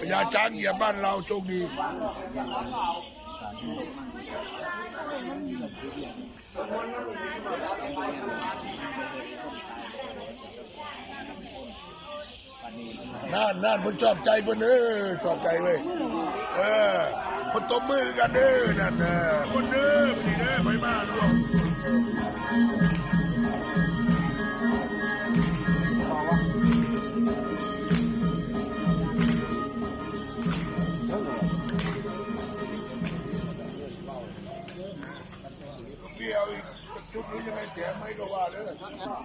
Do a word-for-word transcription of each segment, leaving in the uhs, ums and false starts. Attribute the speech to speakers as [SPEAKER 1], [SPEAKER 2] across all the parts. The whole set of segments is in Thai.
[SPEAKER 1] อย่าจ้างเหยียบบ้านเราโชคดีน่านน่านผมชอบใจเพิ่นเออชอบใจเว้ยเออพนตบมือกันเด้อนั่นเออคนเด้อพี่เด้อไปมาร่วมเบี้ยวอีกจุดนี้ยังไงแถมไม่ก็ว่าเด้อ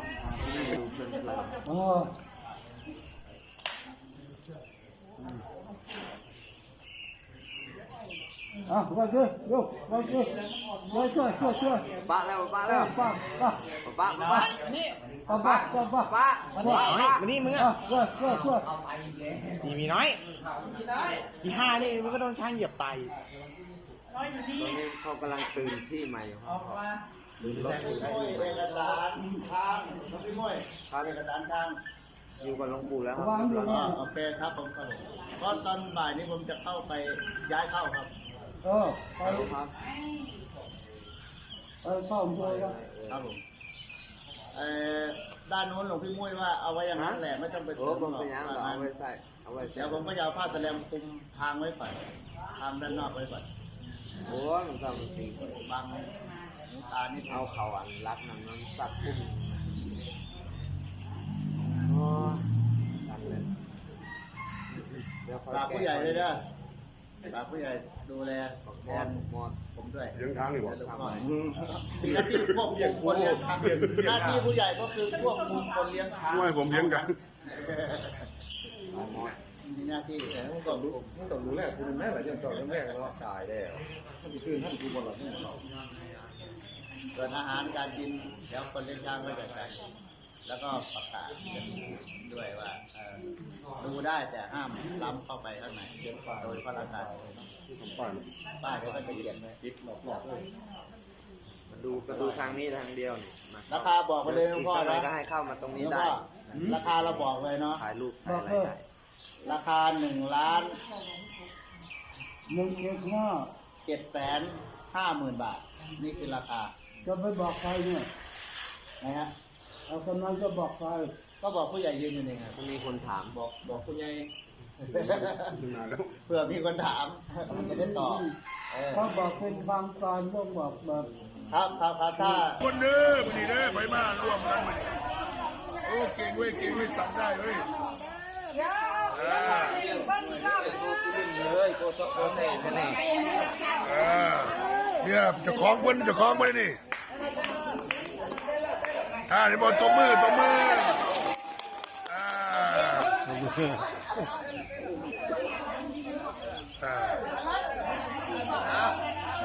[SPEAKER 2] อ่ะมาช่วยลูกมาช่วยช่วยช่วยช่วยช่วย
[SPEAKER 3] ป้าแล้วป้าแล้ว
[SPEAKER 2] ป้าป้า
[SPEAKER 3] ป้าป้านี่
[SPEAKER 2] ป้าป้าป้าป้า
[SPEAKER 3] ป้าน้อยมานี่มึง
[SPEAKER 2] อ่ะช่วยช่วยช่วย
[SPEAKER 3] ตีมีน้อยตีห้านี่มันก็โดนช้างเหยียบไตตอนนี้เขากำลังตื่นที่ใหม่ออกมาเอกสารทางพี่ม้อยเอกสารทางอยู่กับหลวงปู่แล้วครับโอเคครับผมครับเพราะตอนบ่ายนี้ผมจะเข้าไปย้ายเข้าครับ
[SPEAKER 2] เออไป
[SPEAKER 3] ครับ
[SPEAKER 2] เออเข้าช่วยครับ
[SPEAKER 3] ครับผมเอ่อด้านโน้นหลวงพี่มุ้ยว่าเอาไว้อย่างนั้นแหละไม่ต้องไปซื้อหรอกเอาไว้ใส่เอาไว้เดี๋ยวผมก็จะเอาผ้าแสลมคุมทางไว้ก่อนทางด้านนอกไว้ก่อนโอ้หลวงตามันตีบางหลวงตานี่เอาเข่าอันรัดน้ำน้ำสักพุ่มโอ้ตันเลยฝากผู้ใหญ่เลยนะฝากผู้ใหญ่ดูแลแทนหมดผมด้วย
[SPEAKER 1] เลี้ยงทางนี่บ่
[SPEAKER 3] มีหน้าที่ควบคุมคนเลี้ยงช้างหน้าที่ผู้ใหญ่ก็คือควบคุมคนเลี้ยงช้าง
[SPEAKER 1] ไม่ผมเลี้ยงกัน
[SPEAKER 3] มีหน้าที่แต่ต้องต้องรู้ต้องรู้แรกคุณแม่หลายอย่างต่อเรื่องแรกแล้วตายแล้วท่านคืนท่านคือบนหลังนี่ส่วนอาหารการกินแล้วคนเลี้ยงช้างไม่จัดการแล้วก็ประกาศด้วยว่าดูได้แต่ห้ามล้ำเข้าไปข้างในโดยพระราชาป้ายป้ายเขาก็จะเขียนไว้ติดหลอกๆเลยมาดูกระดูทางนี้ทางเดียวนี่ราคาบอกไปเลยหลวงพ่อนะก็ให้เข้ามาตรงนี้ได้ราคาเราบอกเลยเนาะถ่ายรูปถ่ายอะไรได้ราคาหนึ่งล้าน
[SPEAKER 2] หนึ่งเจ็ดห้า
[SPEAKER 3] เจ็ดแสนห้าหมื่นบาทนี่คือราคา
[SPEAKER 2] จะไปบอกใครเนี่ย
[SPEAKER 3] นะฮะ
[SPEAKER 2] เอากำลังจะบอกใคร
[SPEAKER 3] ก็บอกผู้ใหญ่ยืนอยู่นี่ไงมีคนถามบอกบอกผู้ใหญ่เพื่อมีคนถามมันจะได้ตอบ
[SPEAKER 2] เขาบอกเป็นทางการต้องบอกแบบ
[SPEAKER 3] ครับครับครับถ้า
[SPEAKER 1] คนเด้อมันนี่เด้อไปมาร่วมกันมันโอ้เก่งเว้ยเก่งเว้ยสั่งได้เว้ย
[SPEAKER 3] เลยโกโซโกเซ่เนี่ย
[SPEAKER 1] เนี่ยจะคล้องเพิ่นจะคล้องเพิ่นนี่อ่านี่บอลตบมือตบมืออ่าอ่า